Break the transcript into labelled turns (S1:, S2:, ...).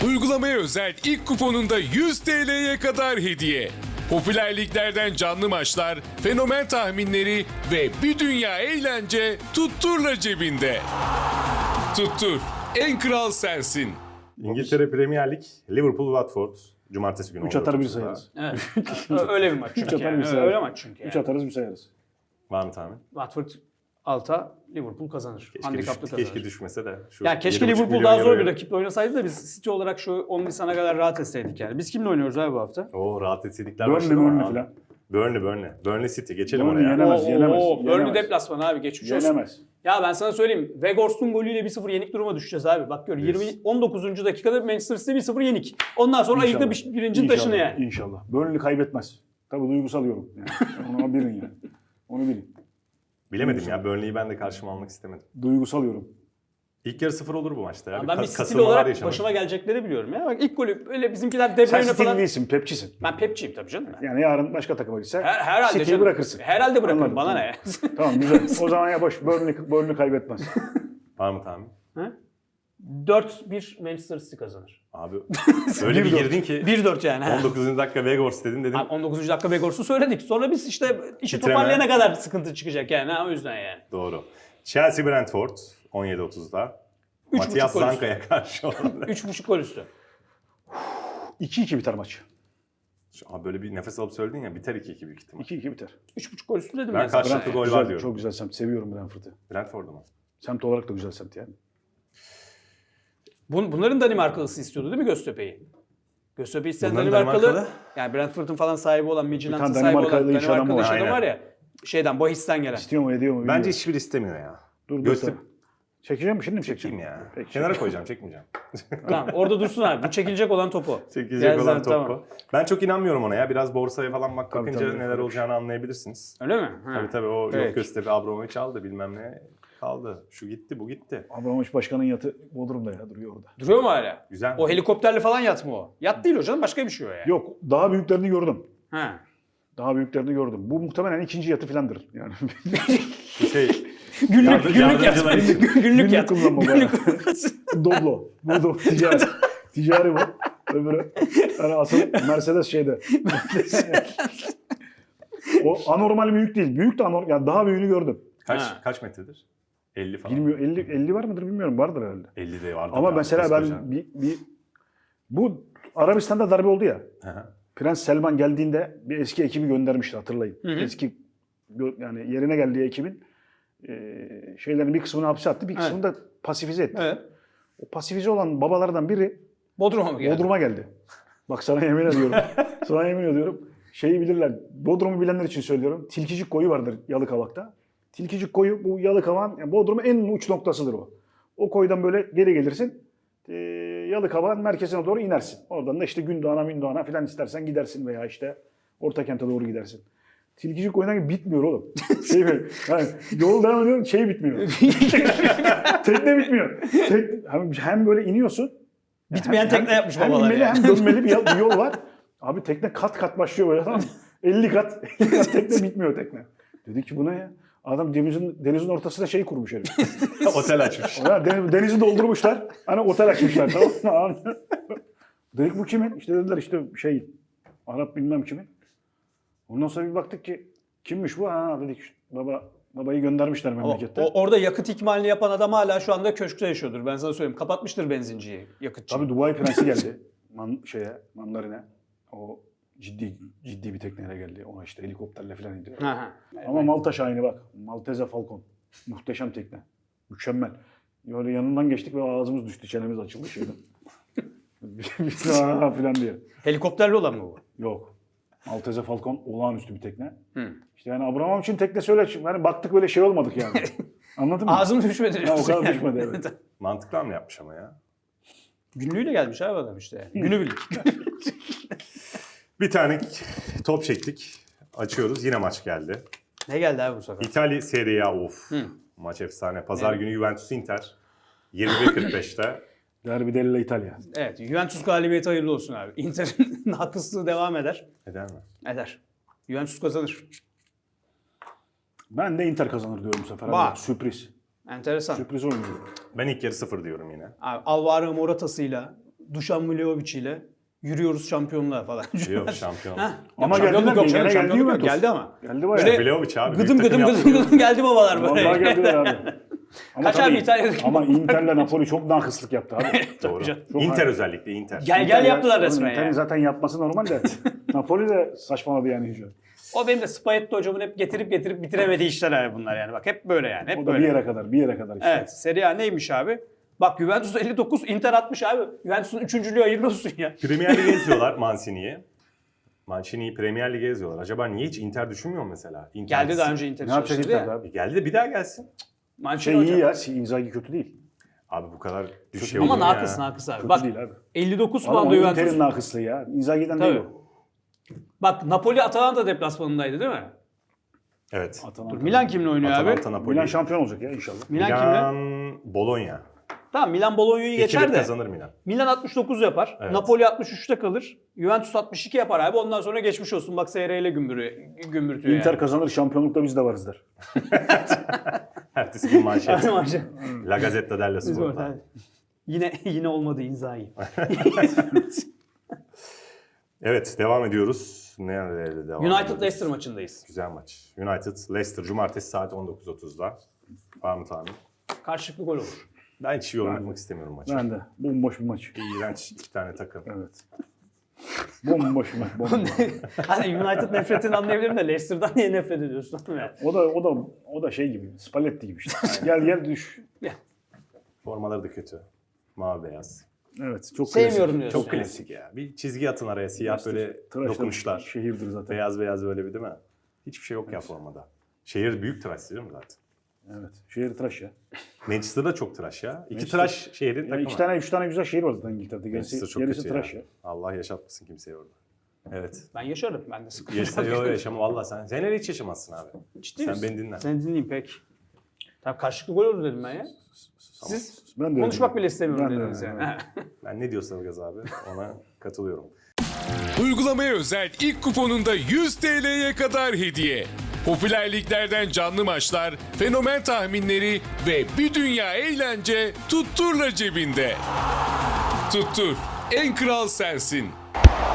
S1: Uygulamaya özel ilk kuponunda 100 TL'ye kadar hediye. Popüler liglerden canlı maçlar, fenomen tahminleri ve bir dünya eğlence Tuttur'la cebinde. Tuttur, en kral sensin.
S2: İngiltere Premier Lig, Liverpool Watford. Cumartesi günü.
S3: 3 atar bir
S2: 19'da.
S3: sayarız.
S4: Evet. Öyle bir maç çünkü.
S3: 3 atar
S4: Yani.
S3: bir sayarız.
S4: Öyle maç çünkü.
S3: 3
S4: Yani.
S3: atarız bir sayarız.
S2: Var mı tahmin?
S4: Watford alta, Liverpool kazanır. Handikaplı kazanır.
S2: Keşke düşmese de. Şu
S4: Ya keşke
S2: 7,5
S4: Liverpool
S2: milyon
S4: daha zor bir
S2: euroyu-
S4: rakiple oynasaydı da biz City olarak şu 10 Nisan'a kadar rahat etseydik yani. Biz kimle oynuyoruz abi bu hafta?
S2: Oo, rahat etsedikler
S3: Burnley
S2: başladı ama
S3: Burnley
S2: abi.
S3: falan.
S2: Burnley City. Geçelim
S3: Burnley
S2: oraya.
S3: yenemez, yenemez.
S4: Burnley
S3: yenemez.
S4: deplasmanı abi geçmiş olsun.
S3: Yenemez.
S4: Ya ben sana söyleyeyim. Weghorst'un golüyle 1-0 yenik duruma düşeceğiz abi. Bak gör 19. dakikada Manchester City 1-0 yenik. Ondan sonra ayıkla birincinin taşını yani.
S3: İnşallah. Burnley kaybetmez. Tabii duygusal yorum. Yani. Onu bilin yani. Onu bilin.
S2: Bilemedim ya. Burnley'i ben de karşıma almak istemedim.
S3: Duygusal yorum.
S2: İlk yarı 0 olur bu maçta ya.
S4: Ben bir stil
S2: kasılmalar
S4: olarak
S2: yaşanır.
S4: başıma gelecekleri biliyorum ya. Bak ilk golü öyle bizimkiler De
S3: Sen
S4: Bruyne
S3: City'li
S4: falan.
S3: değilsin, Pepçisin.
S4: Ben Pepçiyim tabii canım.
S3: Yani yarın başka takıma gitse
S4: Herhalde
S3: City'yi
S4: canım.
S3: bırakırsın.
S4: Herhalde bırakırım.
S3: Anladım,
S4: Bana
S3: tamam.
S4: ne?
S3: Tamam güzel. O zaman ya boş. Burnley kaybetmez.
S2: Var mı tahmin?
S4: 4-1 Manchester City kazanır.
S2: Abi öyle bir
S3: 1-4.
S2: girdin ki
S4: 1-4 yani. ha.
S2: 19. dakika Weghorst dedin dedim.
S4: Abi 19. dakika Weghorst'u söyledik. Sonra biz işte işi
S2: Titreme.
S4: toparlayana kadar sıkıntı çıkacak yani. Ha, o yüzden yani.
S2: Doğru. Chelsea Brentford 17.30'da.
S4: 3,5
S2: Matias
S4: gol üstü.
S2: Zanka'ya karşı olan.
S4: 3,5 gol üstü.
S3: 2-2 biter maç.
S2: Abi böyle bir nefes alıp söyledin ya, biter 2-2 büyük ihtimal.
S3: 2-2 biter.
S4: 3,5 gol üstü dedim
S2: Ben
S4: ben sana.
S2: karşılıklı
S4: yani.
S2: gol var
S3: Güzel,
S2: diyorum.
S3: çok güzel semt. Seviyorum Brentford'u.
S2: Brentford'u mu?
S3: Semt olarak da güzel semt yani.
S4: Bunların Danimarkalısı istiyordu değil mi Göztepe'yi? Göztepe'yi isteyen
S2: Bunların
S4: Danimarkalı,
S2: Danimarkalı?
S4: yani Brentford'un falan sahibi olan, Midtjylland'ın
S3: tane
S4: sahibi olan
S3: Danimarkalı iş adamı
S4: Danimarkalı
S3: var.
S4: iş adamı
S2: Aynen.
S4: var ya. Şeyden, Bohis'ten gelen.
S3: İstiyor mu ediyor mu?
S2: Bence
S3: bilmiyorum.
S2: hiçbir istemiyor ya.
S3: Dur
S2: Göztepe-
S3: dur. Çekeceğim mi şimdi mi çekeceğim?
S2: Çekeyim ya.
S3: Peki.
S2: Kenara koyacağım, çekmeyeceğim.
S4: Tamam, orada dursun abi. Bu çekilecek olan topu.
S2: Çekecek
S4: Gelsin,
S2: olan topu.
S4: tamam.
S2: Ben çok inanmıyorum ona ya. Biraz borsaya falan bakınca
S3: tabii.
S2: neler olacağını anlayabilirsiniz.
S4: Öyle mi? Ha.
S2: Tabii o
S4: Peki.
S2: yok Göztepe Abramovich aldı bilmem ne kaldı. Şu gitti bu gitti.
S3: Abramovich başkanın yatı Bodrum'da ya duruyor orada.
S4: Duruyor mu hala?
S2: Güzel.
S4: O helikopterle falan yat mı o? Yat değil hocam, başka bir şey o yani.
S3: Yok daha büyüklerini gördüm.
S4: Ha.
S3: Daha büyüklerini gördüm. Bu muhtemelen ikinci yatı filandır. Yani
S2: Bu şey
S4: Günlük yat.
S2: yardımcılar için.
S4: Günlük yat.
S3: kullanma bayağı. Doblo. Bu ticari. Ticari bu. Öbürü. Yani asıl Mercedes şeyde. O anormal büyük değil. Büyük de anormal. Yani daha büyüğünü gördüm.
S2: Kaç metredir? 50 falan.
S3: Bilmiyorum 50 var mıdır bilmiyorum. Vardır herhalde.
S2: 50 de vardı.
S3: Ama
S2: ya,
S3: mesela
S2: koskoca.
S3: ben bu Arabistan'da darbe oldu ya.
S2: Hı hı.
S3: Prens Selman geldiğinde bir eski ekibi göndermişti hatırlayın.
S4: Hı hı.
S3: Eski yani yerine geldiği ekibin şeylerin bir kısmını hapse attı, bir kısmını da pasifize etti.
S4: Evet.
S3: O pasifize olan babalardan biri
S4: Bodrum'a mı geldi?
S3: Bodrum'a geldi. Bak sana yemin ediyorum. Sana yemin ediyorum. Şeyi bilirler. Bodrum'u bilenler için söylüyorum. Tilkicik koyu vardır Yalıkavak'ta. Tilkicik koyu bu Yalıkavak'ın yani Bodrum'un en uç noktasıdır o. O koydan böyle geri gelirsin. Yalıkavak'ın merkezine doğru inersin. Oradan da işte Gündoğan'a filan istersen gidersin veya işte Ortakent'e doğru gidersin. Tilkicik koyundan bitmiyor oğlum. Yani yol devam ediyor, şey bitmiyor. Tekne bitmiyor. Hem böyle iniyorsun.
S4: Bitmeyen tekne yapmış
S3: hem
S4: babalar
S3: inmeli
S4: yani.
S3: hem dönmeli bir yol var. Abi tekne kat kat başlıyor böyle tamam mı? 50 kat tekne bitmiyor tekne. Dedik ki bu ne ya? Adam denizin ortasına şey kurmuş herif.
S2: Otel açmış.
S3: Ya denizi doldurmuşlar. Hani otel açmışlar tamam mı? Dedik bu kimin? İşte dediler işte şey Arap bilmem kimin. Ondan sonra bir baktık ki kimmiş bu? Ha dedik babayı göndermişler memlekette.
S4: Orada yakıt ikmalini yapan adam hala şu anda köşkte yaşıyordur. Ben sana söyleyeyim. Kapatmıştır benzinciyi, yakıtçıyı.
S3: Tabii Dubai Prensi geldi. Mandarine. O ciddi bir tekneyle geldi. Ona işte helikopterle falan indi. Ama Malta Şahini bak. Maltese Falcon. Muhteşem tekne. Mükemmel. Böyle yanından geçtik ve ağzımız düştü. Çenemiz açıldı şeyden. Biz falan diye.
S4: Helikopterli olan mı bu?
S3: Yok. Maltese Falcon olağanüstü bir tekne.
S4: Hı.
S3: İşte yani Abramovich'in teknesi öyle. Yani baktık böyle şey olmadık yani. Anladın mı?
S4: Ağzım düşmedi.
S3: Ha, o
S4: diyorsun
S3: kadar
S4: yani.
S3: düşmedi evet.
S2: Mantıklı mı yapmış ama ya?
S4: Günlüğüyle gelmiş abi adam işte. Günübirlik.
S2: Bir tane top çektik. Açıyoruz. Yine maç geldi.
S4: Ne geldi abi bu sefer?
S2: İtalya Serie A of.
S4: Hı.
S2: Maç efsane. Pazar
S4: Evet.
S2: günü Juventus Inter. 21.45'te.
S3: Derbi della İtalya.
S4: Evet, Juventus galibiyeti hayırlı olsun abi. Inter'in haklıslığı devam eder.
S2: Eder mi?
S4: Eder. Juventus kazanır.
S3: Ben de Inter kazanır diyorum bu sefer.
S4: Bak.
S3: Abi. Sürpriz.
S4: Enteresan.
S3: Sürpriz oynuyor.
S2: Ben ilk yarı 0 diyorum yine.
S4: Abi, Alvaro Morata'sıyla Dušan Vlahović ile yürüyoruz şampiyonluğa falan.
S2: Yok şampiyon.
S4: Heh.
S3: Ama
S4: Şampiyonluk
S3: geldiler,
S4: yok
S3: gene
S4: canım,
S3: geldi
S4: şampiyonluk yok.
S3: Juventus.
S4: Geldi ama.
S3: Geldi bayağı.
S4: Böyle
S2: Vlahović abi.
S4: Gıdım
S2: büyük
S4: gıdım
S2: takım
S4: gıdım
S2: yaptı.
S4: gıdım geldi babalar böyle.
S3: Vallahi geldiler abi. Ama
S4: Kaç abi
S3: tabii-
S4: İtalya'daki
S3: Ama Inter'le Napoli çok nakıslık yaptı abi.
S2: Doğru.
S4: canım.
S2: Inter özellikle Inter.
S4: Gel yaptılar
S3: Oğlum,
S4: resmen
S3: Inter'in
S4: ya.
S3: zaten yapması normal de. Napoli de saçmaladı yani iyice.
S4: O benim de Spalletti hocamın hep getirip bitiremediği işler abi bunlar yani. Bak hep böyle yani. Hep
S3: O da
S4: böyle.
S3: bir yere kadar, bir yere kadar işte.
S4: Evet. Serie A neymiş abi? Bak Juventus 59, Inter 60 abi. Juventus'un 3. hayırlı olsun ya.
S2: Premier Lig'e eziyorlar Mancini'yi. Mancini'yi Premier Lig'e eziyorlar. Acaba niye hiç Inter düşünmüyor mu mesela? Inter
S4: Geldi daha önce Inter'i
S3: Ne yapacak
S4: çalıştırdı
S3: Inter
S4: ya.
S3: abi?
S2: Geldi de bir daha gelsin.
S4: Mancini
S3: Şey iyi
S4: hocam.
S3: ya, Inzaghi kötü değil.
S2: Abi bu kadar düşey
S4: Ama
S2: olur mu ya?
S4: nakıs abi.
S3: Kötü
S4: Bak
S3: değil abi.
S4: 59
S3: Ama
S4: puanda
S3: o Inter'in
S4: Juventus.
S3: nakıslığı ya. Inzaghi'den değil
S4: Tabii.
S3: o.
S4: Bak Napoli Atalanta deplasmanındaydı değil mi?
S2: Evet.
S3: Atalanta.
S4: Dur Milan kimle oynuyor
S2: Atalanta,
S4: abi?
S2: Napoli.
S3: Milan şampiyon olacak ya inşallah.
S4: Milan kimle?
S2: Bologna.
S4: Tamam Milan Bologna'yı
S2: 2-1
S4: geçer de.
S2: kazanır Milan.
S4: Milan 69 yapar.
S2: Evet.
S4: Napoli 63'te kalır. Juventus 62 yapar abi. Ondan sonra geçmiş olsun. Bak SR ile gümbürtüyor
S3: Inter
S4: yani.
S3: kazanır, şampiyonlukta biz de varız der.
S2: Ertesi gün manşet.
S4: Hadi maçı.
S2: La Gazzetta dello
S4: Biz
S2: Sport'ta.
S4: orada. Yine olmadı Inzaghi.
S2: Evet devam ediyoruz. Nerede devam
S4: United
S2: ediyoruz?
S4: Leicester maçındayız.
S2: Güzel maç. United Leicester Cumartesi saat 19.30'da. Var mı tahmin?
S4: Karşılıklı gol olur.
S2: Ben hiç yorumlamak istemiyorum maçı.
S3: Ben de. Bomboş bir maç.
S2: İğrenç iki tane takım.
S3: Evet. Bomboş bir maç. Bomboş.
S4: Hani United nefretini anlayabilirim de Leicester'dan niye nefret ediyorsun? Yani.
S3: O da şey gibi. Spalletti gibi işte. Gel düş.
S2: Formaları da kötü. Mavi beyaz.
S3: Evet. Çok
S4: Sevmiyorum
S3: klasik.
S4: diyorsun.
S2: Çok klasik ya. Bir çizgi atın araya siyah böyle
S3: Tıraşlı
S2: dokunuşlar.
S3: Şehirdir zaten.
S2: Beyaz beyaz böyle bir değil mi? Hiçbir şey yok ya formada. Şehir büyük tıraş değil mi zaten?
S3: Evet. Şehir tıraş ya.
S2: Manchester'da çok tıraş ya. İki
S3: Manchester-
S2: tıraş şehrin
S3: Ya
S2: takımı.
S3: üç tane güzel şehir var zaten İngiltere'de.
S2: Manchester
S3: Gerisi,
S2: çok
S3: gerisi
S2: kötü
S3: tıraş
S2: ya.
S3: ya.
S2: Allah yaşatmasın kimseyi orada. Evet.
S4: Ben yaşarım. Ben de sıkıntı
S2: Yok yaşama valla sen. Sen hiç yaşamazsın abi.
S4: Ciddi
S2: Sen
S4: misin?
S2: beni dinle.
S4: Seni dinleyeyim peki. Tabii karşılıklı gol olur dedim ben ya. Siz
S3: Ben de öyle
S4: konuşmak
S3: diyorum.
S4: bile istemiyorum
S3: Ben de
S4: dediniz
S3: öyle,
S4: yani.
S2: Ben ne diyorsa Ilgaz abi ona katılıyorum.
S1: Uygulamaya özel ilk kuponunda 100 TL'ye kadar hediye. Popüler liglerden canlı maçlar, fenomen tahminleri ve bir dünya eğlence Tuttur'la cebinde. Tuttur, en kral sensin.